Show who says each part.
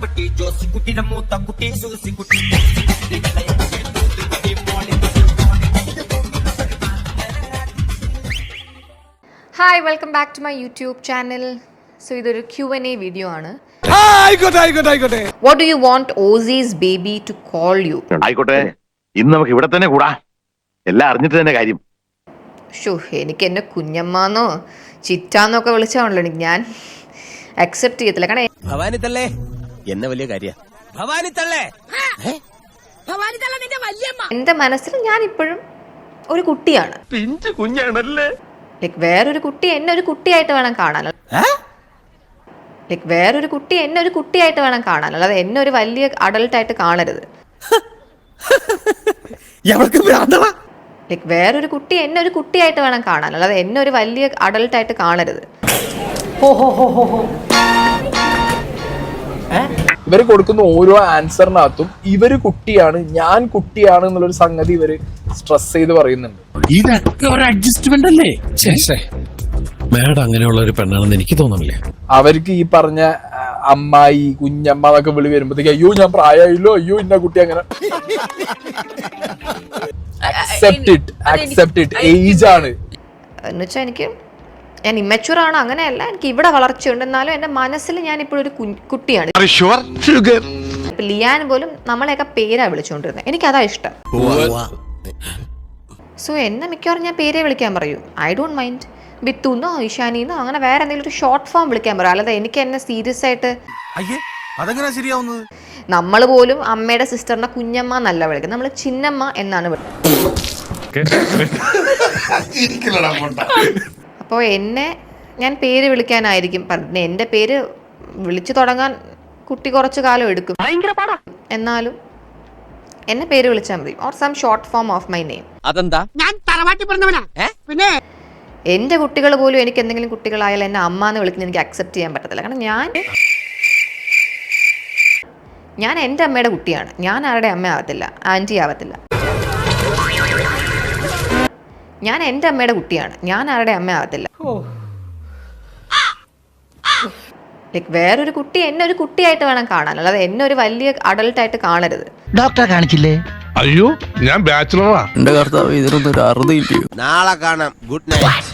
Speaker 1: മാത്തുക്കുട്ടി ജോസിക്കുട്ടിയുടെ മൂത്തക്കുട്ടി Susikutty.
Speaker 2: Hi, welcome back to my YouTube channel. So ഇതൊരു Q&A വീഡിയോ ആണ്. What do you want Aussie's baby to call you?
Speaker 3: ആയിക്കോട്ടെ, ഇന്ന് നമുക്ക് ഇവിടെ തന്നെ കൂടാ. എല്ലാം അറിഞ്ഞിട്ട് തന്നെ കാര്യം.
Speaker 2: എനിക്ക് എന്നെ കുഞ്ഞമ്മാന്നോ ചിറ്റാന്നോ ഒക്കെ വിളിച്ചാണല്ലോ ഞാൻ അക്സെപ്റ്റ് ചെയ്യത്തില്ല. കാരണം
Speaker 4: ഭവാനി തള്ളേ എന്നെ വലിയ കാര്യ ഭവാനി തള്ളേ
Speaker 2: എന്റെ മനസ്സിൽ ഞാൻ ഇപ്പോഴും ഒരു കുട്ടിയാണ്.
Speaker 3: കുഞ്ഞാണല്ലേ?
Speaker 2: ലൈക് വേറൊരു കുട്ടി എന്നെ ഒരു കുട്ടിയായിട്ട് വേണം കാണാൻ. ലൈക് വേറൊരു കുട്ടി എന്നെ ഒരു കുട്ടിയായിട്ട് വേണം കാണാൻ, അല്ലാതെ എന്നെ ഒരു വലിയ അഡൾട്ടായിട്ട് കാണരുത്. ലൈക് വേറൊരു കുട്ടി എന്നെ ഒരു കുട്ടിയായിട്ട് വേണം കാണാൻ, അല്ലാതെ എന്നെ ഒരു വലിയ അഡൾട്ടായിട്ട് കാണരുത്.
Speaker 5: ഇവര് കൊടുക്കുന്ന ഓരോ ആൻസറിനകത്തും ഇവര് കുട്ടിയാണ്, ഞാൻ കുട്ടിയാണ് എന്നുള്ളൊരു സംഗതി ഇവര് സ്ട്രെസ് ചെയ്ത് പറയുന്നുണ്ട്.
Speaker 6: ഇതൊക്കെ ഒരു അഡ്ജസ്റ്റ്മെന്റ് അല്ലേ? മാഡം അങ്ങനെയുള്ള ഒരു പെണ്ണാണെന്ന് എനിക്ക് തോന്നുന്നില്ല.
Speaker 5: അവർക്ക് ഈ പറഞ്ഞ അമ്മായി കുഞ്ഞമ്മ എന്നൊക്കെ വിളി വരുമ്പോഴത്തേക്ക് അയ്യോ ഞാൻ പ്രായമായില്ലോ, അയ്യോ ഇന്ന കുട്ടി അങ്ങനെ. അക്സെപ്റ്റ് ഇറ്റ് ഏജ് ആണ്
Speaker 2: എന്നുവെച്ചാൽ ഞാൻ ഇമ്മച്യൂർ ആണ്, അങ്ങനെയല്ല. എനിക്ക് ഇവിടെ വളർച്ചയുണ്ട്, എന്നാലും എന്റെ മനസ്സിൽ ഞാൻ ഇപ്പോഴും ഒരു കുട്ടിയാണ്. ഇപ്പൊ ലിയാൻ പോലും നമ്മളെയൊക്കെ പേരാ വിളിച്ചുകൊണ്ടിരുന്നത്, എനിക്കതാ ഇഷ്ടം. സോ എന്നെ മിക്കവാറും ഞാൻ പേരെ വിളിക്കാൻ പറയൂ. I don't mind. ബിത്തുന്നോ ഇഷാനിന്നോ അങ്ങനെ വേറെ എന്തെങ്കിലും ഒരു ഷോർട്ട് ഫോം വിളിക്കാൻ പറയും, അല്ലാതെ എനിക്ക് എന്നെ സീരിയസ് ആയിട്ട്. നമ്മൾ പോലും അമ്മയുടെ സിസ്റ്ററിനെ കുഞ്ഞമ്മ എന്നല്ല വിളിക്കുന്നത്, നമ്മൾ ചിന്നമ്മ എന്നാണ് വിളിക്കുന്നത്. അപ്പോൾ എന്നെ ഞാൻ പേര് വിളിക്കാനായിരിക്കും പറഞ്ഞത്. എൻ്റെ പേര് വിളിച്ചു തുടങ്ങാൻ കുട്ടി കുറച്ച് കാലം എടുക്കും, എന്നാലും എന്നെ പേര് വിളിച്ചാൽ മതി, or some short form of my name.
Speaker 4: അതെന്താ?
Speaker 7: ഞാൻ തറവാട്ടി പറഞ്ഞവനാ. പിന്നെ
Speaker 2: എൻ്റെ കുട്ടികൾ പോലും എനിക്ക് എന്തെങ്കിലും കുട്ടികളായാലും എന്നെ അമ്മ എന്ന് വിളിക്കുന്നത് എനിക്ക് അക്സെപ്റ്റ് ചെയ്യാൻ പറ്റത്തില്ല. കാരണം ഞാൻ എൻ്റെ അമ്മയുടെ കുട്ടിയാണ്, ഞാൻ ആരുടെ അമ്മ ആവത്തില്ല, ആൻറ്റി ആവത്തില്ല. ഞാൻ എൻ്റെ അമ്മയുടെ കുട്ടിയാണ്, ഞാൻ ആരുടെ അമ്മ ആവത്തില്ല. ലൈക് വേറൊരു കുട്ടി എന്നെ ഒരു കുട്ടിയായിട്ട് വേണം കാണാൻ, അല്ലാതെ എന്നെ ഒരു വലിയ അഡൾട്ടായിട്ട് കാണരുത്.
Speaker 8: ഡോക്ടറെ കാണിച്ചില്ലേ?
Speaker 9: അയ്യോ, ഞാൻ ബാച്ചിലറാ.
Speaker 8: എന്റെ കർത്താവ് ഇതിനൊന്നും ഒരു അറുതിയില്ലയോ?
Speaker 4: നാളെ കാണാം. Good night.